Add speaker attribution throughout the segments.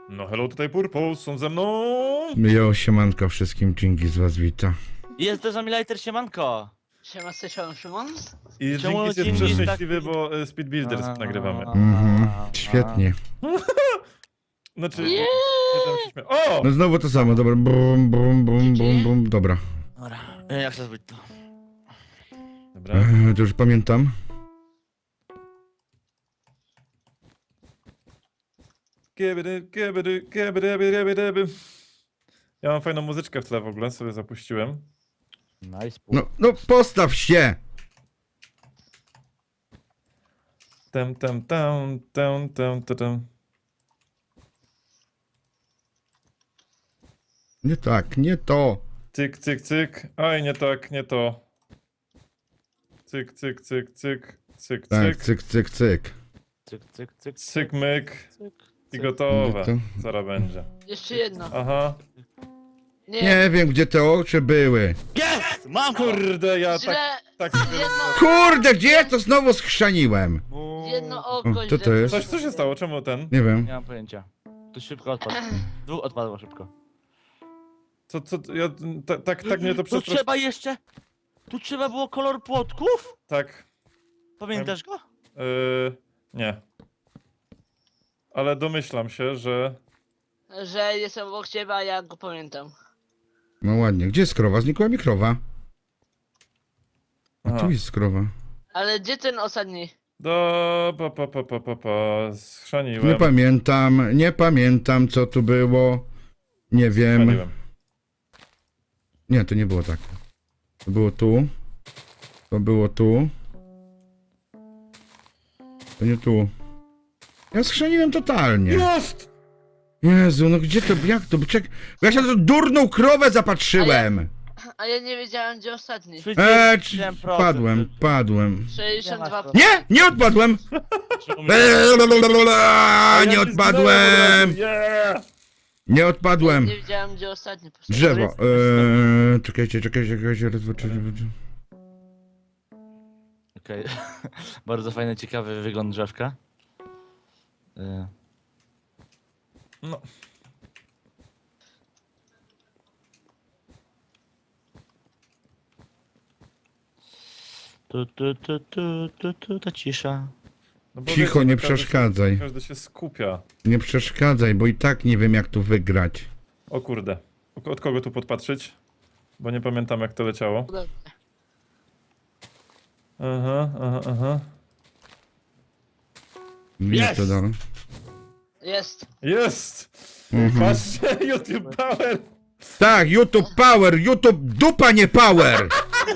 Speaker 1: No hello, tutaj Purple, są ze mną!
Speaker 2: Jo, siemanko wszystkim, Dżingi z was wita.
Speaker 3: Jest też Amilajter, siemanko!
Speaker 4: Siema, Szymon.
Speaker 1: I
Speaker 3: Czemu
Speaker 1: Dzięki jest
Speaker 3: Dzięki jest
Speaker 1: przeszczęśliwy,
Speaker 3: taki-
Speaker 1: bo Speed Builders nagrywamy.
Speaker 2: Świetnie.
Speaker 1: Znaczy,
Speaker 4: Nie.
Speaker 1: nie tam się śmieję. O!
Speaker 2: No znowu to samo, dobra, bum, bum, bum, bum, bum, dobra.
Speaker 3: Dobra, jak chcę zrobić to?
Speaker 1: Dobra.
Speaker 2: To już pamiętam.
Speaker 1: Kiebydy. Ja mam fajną muzyczkę w tle w ogóle, sobie zapuściłem.
Speaker 3: Nice.
Speaker 2: No postaw się!
Speaker 1: Tam.
Speaker 2: Nie tak, nie to.
Speaker 1: Cyk, cyk, cyk. Oj, nie tak, nie to. Cyk, cyk, cyk, cyk. Cyk,
Speaker 2: Tak,
Speaker 1: cyk.
Speaker 2: cyk, cyk, cyk.
Speaker 3: Cyk, cyk, cyk,
Speaker 1: Cyk, myk.
Speaker 3: cyk.
Speaker 1: I gotowe.
Speaker 2: To-
Speaker 1: Zaraz będzie.
Speaker 4: Jeszcze jedno.
Speaker 1: Aha.
Speaker 4: Nie,
Speaker 2: Nie wiem, gdzie te oczy były.
Speaker 3: Jest! Mam to!
Speaker 1: Kurde, ja
Speaker 4: źle.
Speaker 1: tak
Speaker 4: Jedno,
Speaker 2: Kurde, gdzie ja to znowu schrzaniłem?
Speaker 4: jedno
Speaker 2: O,
Speaker 4: oko
Speaker 2: co
Speaker 4: źle
Speaker 2: to jest?
Speaker 1: Co się stało? Czemu ten?
Speaker 2: Nie wiem.
Speaker 3: Nie mam pojęcia. To szybko odpadł. Dwóch odpadło szybko.
Speaker 1: Co, ja, tak mnie to
Speaker 3: Tu
Speaker 1: przestraszyło.
Speaker 3: trzeba jeszcze... Tu trzeba było kolor płotków?
Speaker 1: Tak,
Speaker 3: Pamiętasz go?
Speaker 1: nie. Ale domyślam się, że...
Speaker 4: że jestem obok ciebie, a ja go pamiętam.
Speaker 2: No ładnie. Gdzie jest krowa? Znikła mi krowa. A
Speaker 1: Aha.
Speaker 2: tu jest krowa.
Speaker 4: Ale gdzie ten ostatni?
Speaker 1: Schrzaniłem.
Speaker 2: Nie pamiętam co tu było. Nie wiem.
Speaker 1: Schrzaniłem.
Speaker 2: Nie, to nie było tak. To było tu. To było tu. To nie tu. Ja schrzeniłem totalnie.
Speaker 1: Jest!
Speaker 2: Jezu, no gdzie to, jak to, czek... Ja się na tą durną krowę zapatrzyłem.
Speaker 4: A ja nie wiedziałem, gdzie ostatni.
Speaker 3: 37%.
Speaker 2: Padłem.
Speaker 4: 62.
Speaker 2: Nie, nie odpadłem.
Speaker 1: Ja
Speaker 2: Nie
Speaker 1: się
Speaker 2: odpadłem.
Speaker 1: zginąłem. Yeah!
Speaker 2: Nie odpadłem.
Speaker 4: Nie wiedziałem, gdzie ostatni.
Speaker 2: Drzewo. Czekajcie. Raz, dwa, trzy.
Speaker 3: Okej. Bardzo fajny, ciekawy wygląd drzewka.
Speaker 1: No.
Speaker 3: Ta cisza.
Speaker 1: No bo
Speaker 2: Cicho,
Speaker 1: wiecie,
Speaker 2: nie
Speaker 1: no każdy
Speaker 2: przeszkadzaj.
Speaker 1: Się, każdy się skupia.
Speaker 2: Nie przeszkadzaj, bo i tak nie wiem jak tu wygrać.
Speaker 1: O kurde. Od kogo tu podpatrzeć? Bo nie pamiętam jak to leciało. Aha.
Speaker 2: Widzisz to dalej?
Speaker 4: Jest.
Speaker 1: Jest!
Speaker 2: Mhm.
Speaker 1: Patrzcie, YouTube Power!
Speaker 2: Tak, YouTube Power, YouTube dupa nie power.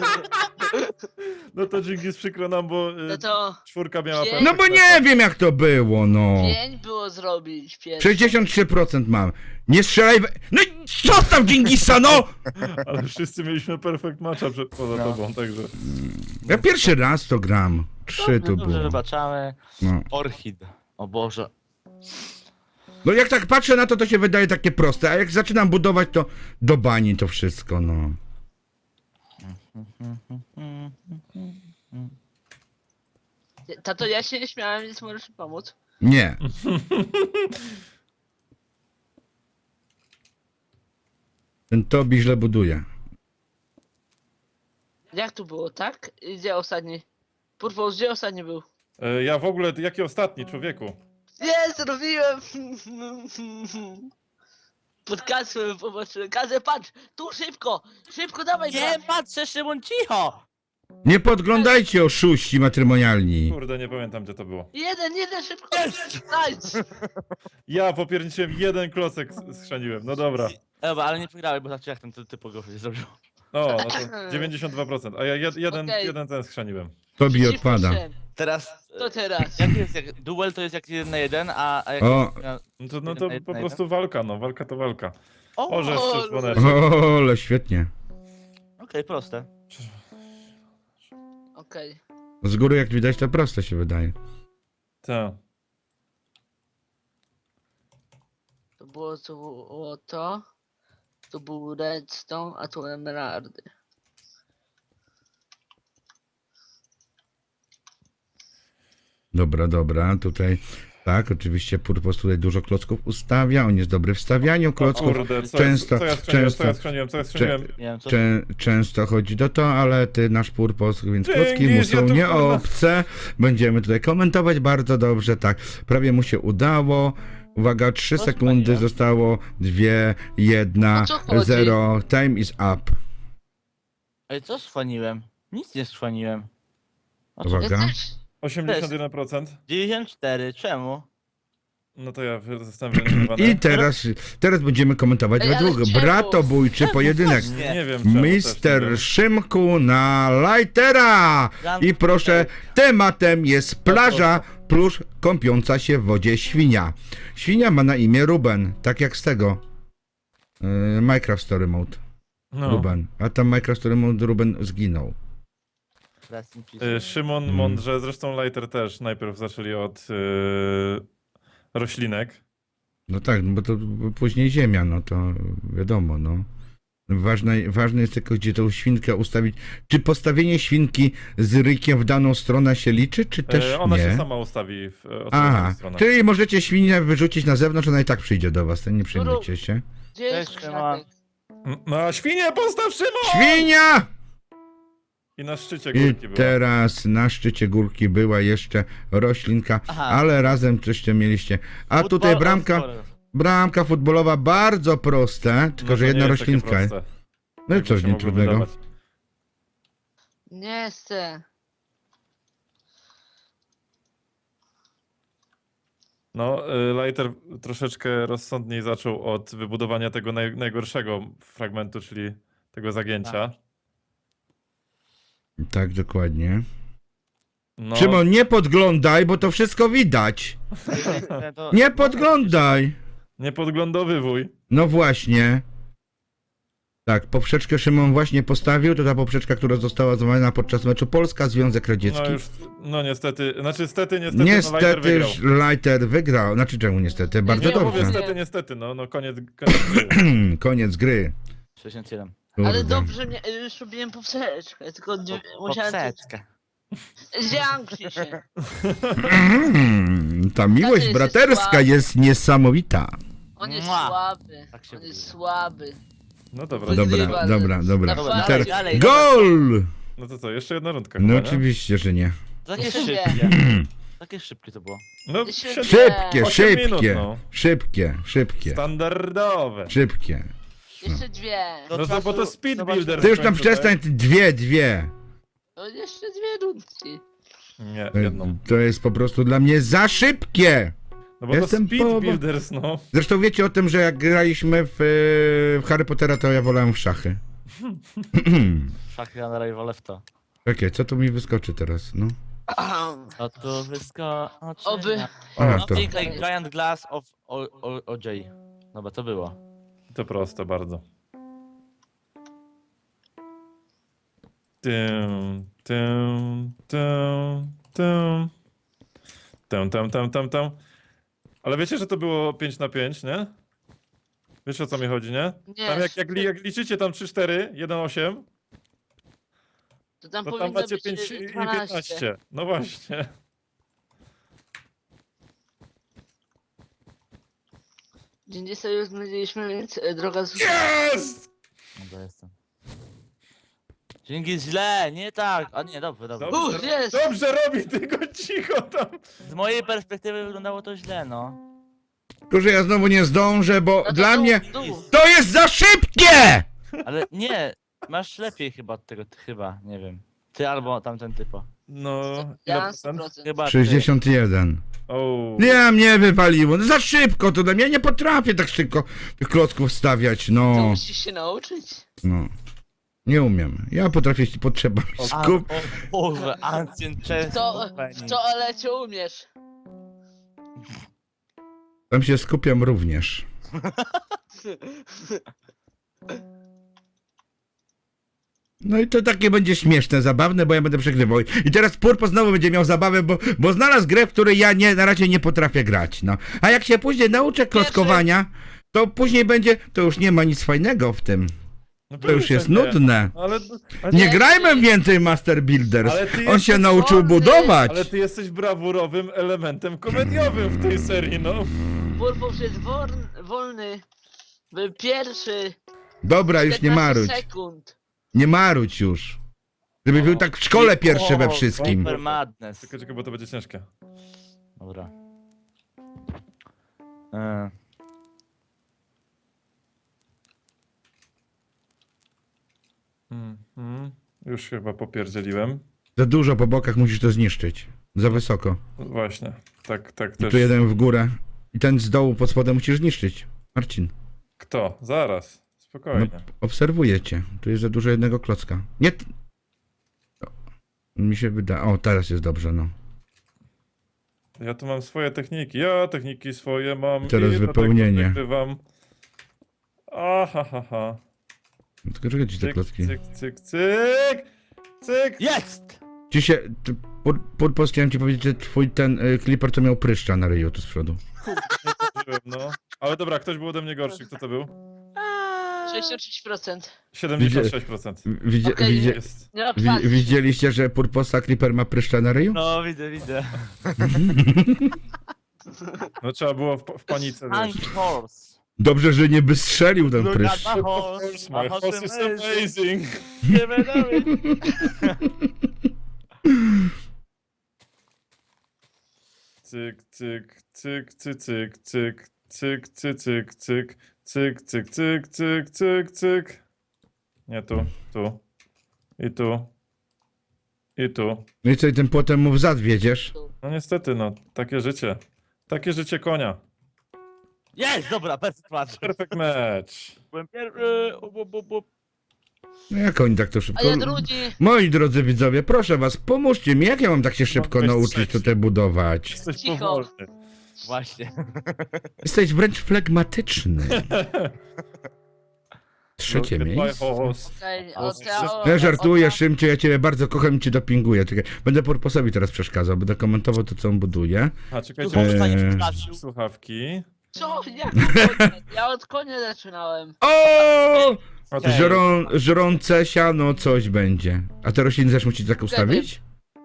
Speaker 1: No to dzięki przykro nam, bo
Speaker 4: No to
Speaker 1: czwórka miała
Speaker 4: Pięć.
Speaker 2: No bo nie wiem jak to było, no.
Speaker 4: 5 było zrobić. 5.
Speaker 2: 63% mam. Nie strzelaj No i zostaw Dżingisa, no!
Speaker 1: Ale wszyscy mieliśmy perfect matcha poza
Speaker 3: No.
Speaker 1: tobą, także...
Speaker 2: Ja pierwszy raz to gram. 3 to
Speaker 3: Dobrze,
Speaker 2: było.
Speaker 3: wybaczamy.
Speaker 2: No.
Speaker 3: Orchid. O Boże.
Speaker 2: No jak tak patrzę na to, to się wydaje takie proste, a jak zaczynam budować, to do bani to wszystko, no.
Speaker 4: Tato, ja się nie śmiałem, więc możesz mi pomóc.
Speaker 2: Nie. Ten Tobi źle buduje.
Speaker 4: Jak tu było, tak? I gdzie ostatni? Purpose, gdzie ostatni był?
Speaker 1: Ja w ogóle, jaki ostatni, człowieku?
Speaker 4: Nie, zrobiłem! Pod kasłem popatrzyłem. Kazę, patrz! Tu szybko! Szybko, dawaj
Speaker 3: Nie
Speaker 4: brat.
Speaker 3: patrzę, Szymon, cicho!
Speaker 2: Nie podglądajcie oszuści matrymonialni.
Speaker 1: Kurde, nie pamiętam gdzie to było.
Speaker 4: Jeden, szybko! Nice!
Speaker 1: Ja popierniczyłem jeden klocek schrzaniłem, no dobra.
Speaker 3: Ewa, ale nie przegrałeś, bo tak czy jak ten typ się zrobił.
Speaker 1: No to 92%, a ja
Speaker 4: Okej.
Speaker 1: jeden ten schrzaniłem.
Speaker 2: Tobi
Speaker 4: Przeciwko
Speaker 2: odpada.
Speaker 4: trzem.
Speaker 3: Teraz...
Speaker 4: To teraz.
Speaker 3: Jak jest, jak, duel to jest jak 1 na 1, a jak
Speaker 2: O.
Speaker 3: jest...
Speaker 1: No to po prostu walka, no, walka to walka.
Speaker 3: O,
Speaker 1: O, że
Speaker 4: O,
Speaker 1: jeszcze dzwoneczek.
Speaker 2: O, ale świetnie.
Speaker 3: Okej, proste.
Speaker 4: Okej.
Speaker 2: Z góry jak widać to proste się wydaje.
Speaker 1: Tak.
Speaker 4: To było to. To był redstone, a tu emeraldy.
Speaker 2: Dobra, tutaj Tak, oczywiście Purpos tutaj dużo klocków ustawia, on jest dobry w stawianiu
Speaker 1: O
Speaker 2: klocków.
Speaker 1: kurde,
Speaker 2: często,
Speaker 1: co ja skrzeniłem?
Speaker 3: Nie wiem, co
Speaker 2: Często chodzi do to, ale ty nasz Purpos, więc klocki
Speaker 1: Dzięki,
Speaker 2: mu są
Speaker 1: ja tu,
Speaker 2: nie
Speaker 1: kurwa.
Speaker 2: obce. Będziemy tutaj komentować bardzo dobrze, tak. Prawie mu się udało. Uwaga, 3
Speaker 3: To
Speaker 2: sekundy
Speaker 3: fajnie.
Speaker 2: zostało, 2, 1,
Speaker 4: O co chodzi?
Speaker 2: 0, time is up.
Speaker 3: Ej, co schwaniłem? Nic nie schwaniłem. A co?
Speaker 2: Uwaga.
Speaker 4: Ja też.
Speaker 1: 81%.
Speaker 3: 94, czemu?
Speaker 1: No to ja zostałem wyeliminowany.
Speaker 2: I teraz będziemy komentować
Speaker 4: Ej, ale
Speaker 2: według
Speaker 4: czemu?
Speaker 2: bratobójczy pojedynek.
Speaker 1: Nie wiem czemu też, nie
Speaker 2: Mister
Speaker 1: wiem.
Speaker 2: Szymku na Lightera! I proszę, tematem jest plaża plus kąpiąca się w wodzie świnia. Świnia ma na imię Ruben, tak jak z tego Minecraft Story Mode.
Speaker 1: No.
Speaker 2: Ruben. A tam Minecraft Story Mode Ruben zginął.
Speaker 3: Rest in peace.
Speaker 1: Szymon mądrze, zresztą Lighter też najpierw zaczęli od roślinek.
Speaker 2: No tak, no bo to później ziemia, no to wiadomo, no. Ważne jest tylko, gdzie tą świnkę ustawić. Czy postawienie świnki z rykiem w daną stronę się liczy, czy też
Speaker 1: Ona
Speaker 2: nie?
Speaker 1: się sama ustawi w
Speaker 2: Aha,
Speaker 1: odpowiednią stronę.
Speaker 2: czyli możecie świnię wyrzucić na zewnątrz, ona i tak przyjdzie do was, to nie przejmujcie się.
Speaker 4: Gdzie jest
Speaker 3: Cześć,
Speaker 4: kwiatek?
Speaker 1: No a świnię postaw, Szymon!
Speaker 2: Świnia!
Speaker 1: I na szczycie
Speaker 2: I
Speaker 1: górki była.
Speaker 2: teraz na szczycie górki była jeszcze roślinka,
Speaker 3: Aha.
Speaker 2: ale razem coś tam mieliście. A
Speaker 3: Football
Speaker 2: tutaj
Speaker 3: or sport?
Speaker 2: bramka futbolowa bardzo proste, tylko
Speaker 1: No
Speaker 2: że
Speaker 1: to
Speaker 2: jedna
Speaker 1: nie jest takie
Speaker 2: roślinka.
Speaker 1: proste,
Speaker 2: No i
Speaker 1: jakby
Speaker 2: coś
Speaker 1: się
Speaker 2: nie
Speaker 1: mogło
Speaker 2: trudnego.
Speaker 1: wydawać.
Speaker 4: Nie chcę.
Speaker 1: No, Lighter troszeczkę rozsądniej zaczął od wybudowania tego najgorszego fragmentu, czyli tego zagięcia.
Speaker 2: Tak, dokładnie.
Speaker 1: No,
Speaker 2: Szymon, nie podglądaj, bo to wszystko widać.
Speaker 3: To-
Speaker 2: Nie podglądaj.
Speaker 1: niepodglądowy
Speaker 2: No właśnie. Tak, poprzeczkę Szymon właśnie postawił, to ta poprzeczka, która została złamana podczas meczu Polska-Związek Radziecki.
Speaker 1: No już, no niestety, niestety, no Lighter
Speaker 2: Niestety
Speaker 1: wygrał.
Speaker 2: Lighter wygrał. Znaczy czemu niestety? Bardzo
Speaker 1: Nie, mówię
Speaker 2: dobrze.
Speaker 1: niestety, no koniec gry.
Speaker 2: Koniec gry.
Speaker 3: 67.
Speaker 4: Ale
Speaker 2: Kurde.
Speaker 4: dobrze, już robiłem poprzeczkę, tylko nie musiałem...
Speaker 3: Poprzeczkę.
Speaker 4: Zamknij się.
Speaker 2: Ta miłość
Speaker 4: jest
Speaker 2: braterska
Speaker 4: słaby.
Speaker 2: jest niesamowita.
Speaker 4: On jest
Speaker 3: Mua.
Speaker 4: słaby.
Speaker 3: Tak się
Speaker 4: On jest
Speaker 3: mówi.
Speaker 4: słaby.
Speaker 1: No dobra,
Speaker 4: Wygrywa.
Speaker 2: Dobra, dobra, dobra.
Speaker 4: Dobra,
Speaker 2: I teraz
Speaker 3: dalej.
Speaker 2: gol!
Speaker 1: no to co, jeszcze jedna rundka
Speaker 2: No
Speaker 1: chyba, nie?
Speaker 2: oczywiście, że nie.
Speaker 3: Takie
Speaker 4: Jeszcze
Speaker 3: szybkie. Takie szybkie to było.
Speaker 1: No,
Speaker 4: Jeszcze
Speaker 1: siedem-
Speaker 2: Szybkie,
Speaker 1: 8 minut,
Speaker 2: szybkie,
Speaker 1: no.
Speaker 2: szybkie,
Speaker 1: Standardowe.
Speaker 2: szybkie.
Speaker 4: Jeszcze dwie.
Speaker 1: No to bo to speed
Speaker 3: Zobacz-
Speaker 1: builder.
Speaker 2: Ty już tam
Speaker 1: w końcu, tak?
Speaker 2: przestań, dwie.
Speaker 4: To jeszcze dwie rundki.
Speaker 1: Nie, jedną.
Speaker 2: To jest po prostu dla mnie za szybkie.
Speaker 1: No bo to
Speaker 2: Jestem
Speaker 1: speed
Speaker 2: po-
Speaker 1: builders, no.
Speaker 2: Zresztą wiecie o tym, że jak graliśmy w Harry Pottera, to ja wolałem w szachy.
Speaker 3: Szachy na rivale w to.
Speaker 2: Okej, co tu mi wyskoczy teraz? No.
Speaker 3: A tu wyskoczy.
Speaker 4: Oby.
Speaker 2: Aha, to.
Speaker 3: Nothing like giant glass of OJ. Dobra, to było.
Speaker 1: To proste bardzo. Tym, tym, tym, tym. Tym. Ale wiecie, że to było 5 na 5, nie? Wiesz o co mi chodzi, nie?
Speaker 4: Nie,
Speaker 1: Tam jak liczycie tam 3-4, 1-8,
Speaker 4: to tam
Speaker 1: to tam
Speaker 4: powinno
Speaker 1: macie
Speaker 4: być
Speaker 1: 5 i
Speaker 4: 12.
Speaker 1: 15. No właśnie.
Speaker 4: Dzień dzisiaj już znaleźliśmy, więc droga z...
Speaker 1: Jest!
Speaker 3: Dobra, jestem. Dzięki źle, nie tak. A nie, dobrze.
Speaker 4: Dobrze. Jest!
Speaker 1: Dobrze robi, tylko cicho tam.
Speaker 3: Z mojej perspektywy wyglądało to źle, no.
Speaker 2: Tylko, że ja znowu nie zdążę, bo
Speaker 4: No to
Speaker 2: dla
Speaker 4: dół,
Speaker 2: mnie
Speaker 4: dół.
Speaker 2: to jest za szybkie!
Speaker 3: Ale nie, masz lepiej chyba od tego, chyba, nie wiem. Ty albo tamten typo.
Speaker 1: No,
Speaker 4: Ja
Speaker 1: ile
Speaker 4: mam
Speaker 1: procent?
Speaker 4: 100%.
Speaker 3: Chyba ty.
Speaker 2: 61.
Speaker 1: O.
Speaker 2: Nie, mnie wypaliło. No za szybko to dla mnie. Ja nie potrafię tak szybko tych klocków stawiać.
Speaker 4: To
Speaker 2: No,
Speaker 4: musisz się nauczyć.
Speaker 2: no. Nie umiem. Ja potrafię, jeśli potrzeba mi
Speaker 3: A,
Speaker 2: skup.
Speaker 3: o Boże, Ancient Chess.
Speaker 4: W toalecie umiesz.
Speaker 2: Tam się skupiam również. No i to takie będzie śmieszne, zabawne, bo ja będę przegrywał. I teraz Purpo znowu będzie miał zabawę, bo znalazł grę, w której ja na razie nie potrafię grać, no. A jak się później nauczę klockowania, to później będzie, to już nie ma nic fajnego w tym.
Speaker 1: No
Speaker 2: To już jest
Speaker 1: nie.
Speaker 2: nudne.
Speaker 1: Ale
Speaker 2: Nie grajmy więcej Master Builders.
Speaker 1: Ale ty
Speaker 2: On się
Speaker 1: jesteś
Speaker 2: nauczył
Speaker 4: wolny.
Speaker 2: budować.
Speaker 1: Ale ty jesteś brawurowym elementem komediowym w tej serii, no.
Speaker 4: Purpos jest wolny. Był pierwszy.
Speaker 2: Dobra, już nie
Speaker 4: 15
Speaker 2: marudź.
Speaker 4: sekund.
Speaker 2: Nie marudź już. Żeby był tak w szkole pierwszy we
Speaker 3: O,
Speaker 2: wszystkim.
Speaker 3: Super Madness.
Speaker 1: Czekaj, bo to będzie ciężkie.
Speaker 3: Dobra.
Speaker 1: Już chyba popierdzieliłem.
Speaker 2: Za dużo po bokach musisz to zniszczyć. Za wysoko.
Speaker 1: Właśnie, tak
Speaker 2: I
Speaker 1: też.
Speaker 2: tu jeden w górę. I ten z dołu pod spodem musisz zniszczyć. Marcin,
Speaker 1: Kto? Zaraz. Spokojnie.
Speaker 2: obserwuję cię. Tu jest za dużo jednego klocka. Nie. O, mi się wyda. O, teraz jest dobrze, no.
Speaker 1: Ja tu mam swoje techniki. Ja techniki swoje mam.
Speaker 2: Teraz
Speaker 1: i dlatego
Speaker 2: wypełnienie.
Speaker 1: wygrywam. Aha.
Speaker 2: Tylko czekaj ci te
Speaker 1: Cyk,
Speaker 2: klocki.
Speaker 1: cyk, cyk, cyk. Cyk.
Speaker 3: Jest!
Speaker 2: Ci się. Purpos, chciałem ci powiedzieć, że twój ten Clipper to miał pryszcza na ryju tu z przodu.
Speaker 1: Zdążyłem, no. Ale dobra, ktoś był ode mnie gorszy. Kto to był?
Speaker 4: 66%.
Speaker 1: 76%.
Speaker 4: Okej,
Speaker 1: Jest.
Speaker 4: Nie odpadł.
Speaker 2: Widzieliście, że Purposa Clipper ma pryszcza na ryju?
Speaker 3: No, widzę.
Speaker 1: No trzeba było w panice, wiesz.
Speaker 3: Tank Horse.
Speaker 2: Dobrze, że nie wystrzelił ten
Speaker 3: Look
Speaker 2: pryszcz.
Speaker 3: at my
Speaker 1: Of
Speaker 3: horse.
Speaker 1: course, my horse is amazing.
Speaker 3: Give it away.
Speaker 1: Cyk, cyk, cyk, cyk, cyk, cyk, cyk, cyk, cyk, cyk, cyk, cyk, cyk, cyk, cyk, cyk. Nie tu, tu. I tu. I tu.
Speaker 2: No i co, i tym potem mu w zad wiedziesz?
Speaker 1: No niestety, no, takie życie. Takie życie konia.
Speaker 3: Jest! Dobra, perfect match.
Speaker 1: Perfect match.
Speaker 3: Byłem pierwszy.
Speaker 2: No jak oni tak to szybko...
Speaker 4: A ja drugi.
Speaker 2: Moi drodzy widzowie, proszę was, pomóżcie mi, jak ja mam tak się szybko
Speaker 1: być
Speaker 2: nauczyć
Speaker 1: trzeci.
Speaker 2: tutaj budować?
Speaker 1: Jesteś
Speaker 4: Cicho.
Speaker 1: powolny.
Speaker 3: Właśnie.
Speaker 2: Jesteś wręcz flegmatyczny. Trzecie
Speaker 1: Look at my
Speaker 2: miejsce.
Speaker 1: horse.
Speaker 4: Okej,
Speaker 2: Ja żartuję, Szymcie, ja ciebie bardzo kocham i cię dopinguję. Czekaj, będę Purposowi teraz przeszkadzał, będę komentował to, co on buduje.
Speaker 1: A
Speaker 3: Tu
Speaker 1: czekajcie,
Speaker 3: zostanie
Speaker 2: Eee.
Speaker 3: przepraszał.
Speaker 1: słuchawki.
Speaker 4: Co? Jak? Ja od konia zaczynałem.
Speaker 2: O!
Speaker 1: A to
Speaker 2: Żrące siano coś będzie. A te rośliny też musicie tak ustawić?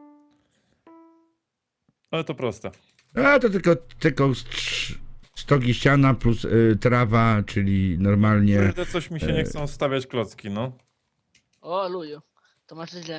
Speaker 1: Ale to proste.
Speaker 2: A to tylko stogi siana plus trawa, czyli normalnie...
Speaker 1: Kurde, coś mi się nie chcą stawiać klocki, no.
Speaker 4: O, luju. To masz źle.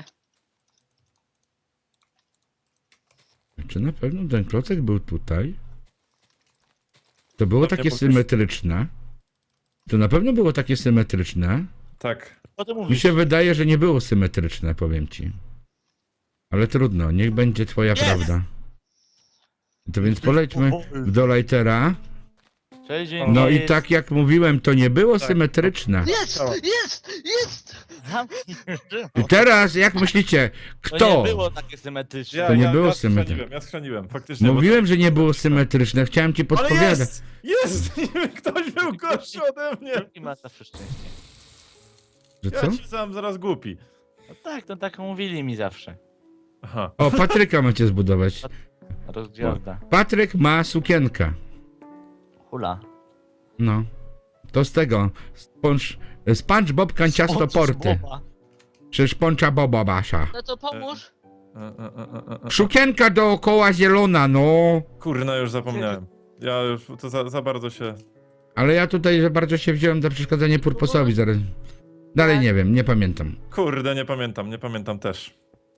Speaker 2: Czy na pewno ten klocek był tutaj? To było
Speaker 1: Pewnie
Speaker 2: takie
Speaker 1: po
Speaker 2: symetryczne. To na pewno było takie symetryczne.
Speaker 1: Tak.
Speaker 3: Co ty
Speaker 2: Mi
Speaker 3: mówisz?
Speaker 2: się wydaje, że nie było symetryczne, powiem ci. Ale trudno, niech będzie twoja
Speaker 3: Jest!
Speaker 2: prawda. To więc polećmy do Lightera.
Speaker 3: Cześć,
Speaker 2: No i tak jak mówiłem, to nie było
Speaker 1: Tak.
Speaker 2: symetryczne.
Speaker 4: Jest!
Speaker 1: Działa.
Speaker 4: Jest!
Speaker 3: Zamknij.
Speaker 2: I teraz, jak myślicie,
Speaker 3: To
Speaker 2: kto?
Speaker 3: nie było takie symetryczne.
Speaker 2: To nie było symetryczne.
Speaker 1: Ja schrzaniłem, faktycznie.
Speaker 2: Mówiłem, że nie było symetryczne, chciałem ci
Speaker 1: Ale
Speaker 2: podpowiadać.
Speaker 1: jest! Jest! Ktoś był gorszy ode mnie!
Speaker 3: I ma zawsze szczęście.
Speaker 2: Że
Speaker 1: Ja
Speaker 2: co?
Speaker 1: ci sam zaraz głupi.
Speaker 3: No tak, to tak mówili mi zawsze.
Speaker 1: Aha.
Speaker 2: O, Patryka macie zbudować.
Speaker 3: Rozgwiazda.
Speaker 2: Patryk ma sukienkę.
Speaker 3: Hula.
Speaker 2: No. To z tego. SpongeBob kanciasto porty. Czy szponcza Boba Basza.
Speaker 4: No to pomóż.
Speaker 2: Sukienka dookoła zielona, no.
Speaker 1: Kurna, już zapomniałem. Ja już to za bardzo się...
Speaker 2: Ale ja tutaj za bardzo się wziąłem za przeszkadzanie Purposowi. Zaraz. Dalej nie wiem, nie pamiętam.
Speaker 1: Kurde, nie pamiętam też.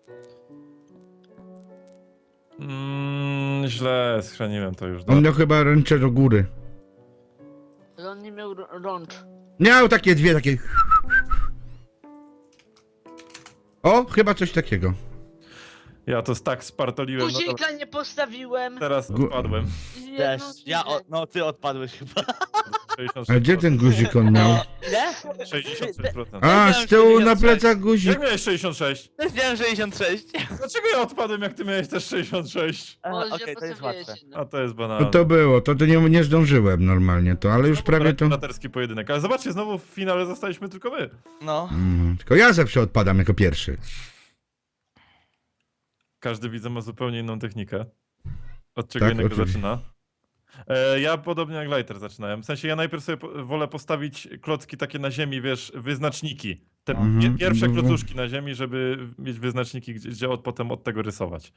Speaker 1: Źle schrzaniłem to już.
Speaker 2: On miał chyba ręce do góry.
Speaker 4: Ale on nie miał rącz.
Speaker 2: Miał takie dwie, takie... O, chyba coś takiego.
Speaker 1: Ja to tak spartoliłem, no to
Speaker 4: Guzika nie postawiłem.
Speaker 1: teraz
Speaker 2: Gu-
Speaker 1: odpadłem.
Speaker 4: Nie,
Speaker 3: Też.
Speaker 4: no,
Speaker 3: Ja,
Speaker 4: nie.
Speaker 3: no ty odpadłeś chyba.
Speaker 1: 66%.
Speaker 2: A gdzie ten guzik on miał?
Speaker 3: Ile?
Speaker 1: 66%.
Speaker 2: A, z tyłu na plecach guzik.
Speaker 1: Jak miałeś 66?
Speaker 3: Też miałem 66.
Speaker 1: Dlaczego ja odpadłem, jak ty miałeś też 66?
Speaker 4: Może
Speaker 3: Okej, to jest
Speaker 4: postawiłeś
Speaker 3: łatwe.
Speaker 4: się, no.
Speaker 1: A to jest
Speaker 2: No
Speaker 1: banalne.
Speaker 2: to było, to nie zdążyłem normalnie to, ale już prawie to...
Speaker 1: Braterski pojedynek. Ale zobaczcie, znowu w finale zostaliśmy tylko my.
Speaker 3: No.
Speaker 2: Tylko ja zawsze odpadam jako pierwszy.
Speaker 1: Każdy widzę ma zupełnie inną technikę. Od czego
Speaker 2: Tak,
Speaker 1: innego
Speaker 2: oczywiście.
Speaker 1: zaczyna. Ja podobnie jak Lighter zaczynałem. W sensie ja najpierw sobie wolę postawić klocki takie na ziemi, wiesz, wyznaczniki. Te
Speaker 2: Mhm.
Speaker 1: pierwsze klocuszki na ziemi, żeby mieć wyznaczniki, gdzie potem od tego rysować.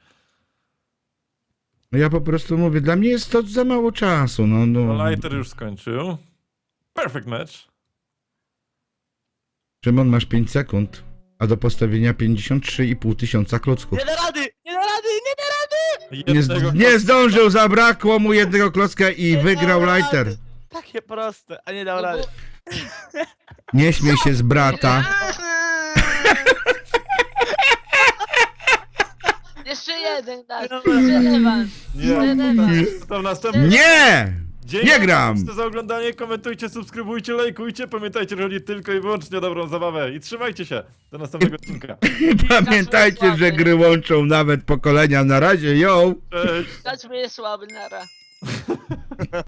Speaker 2: No ja po prostu mówię, dla mnie jest to za mało czasu.
Speaker 1: No, Lighter już skończył. Perfect match.
Speaker 2: Szymon, masz 5 sekund, a do postawienia 53,5 tysiąca klocków.
Speaker 3: Nie da rady! Nie da rady! Nie da rady!
Speaker 2: Nie zdążył, zabrakło mu jednego klocka i wygrał
Speaker 3: dał
Speaker 2: Lighter.
Speaker 3: rady. Takie proste, a nie dał rady.
Speaker 2: Nie śmiej się z brata.
Speaker 4: Jeszcze jeden, tak. Jeszcze rewans.
Speaker 1: Nie. To następny.
Speaker 2: Nie!
Speaker 1: Dzięki
Speaker 2: Nie gram!
Speaker 1: za oglądanie, komentujcie, subskrybujcie, lajkujcie. Pamiętajcie, że chodzi tylko i wyłącznie o dobrą zabawę. I trzymajcie się. Do następnego odcinka.
Speaker 2: Pamiętajcie, że gry łączą nawet pokolenia. Na razie, yo!
Speaker 1: Cześć.
Speaker 4: Kacper jest słaby, nara.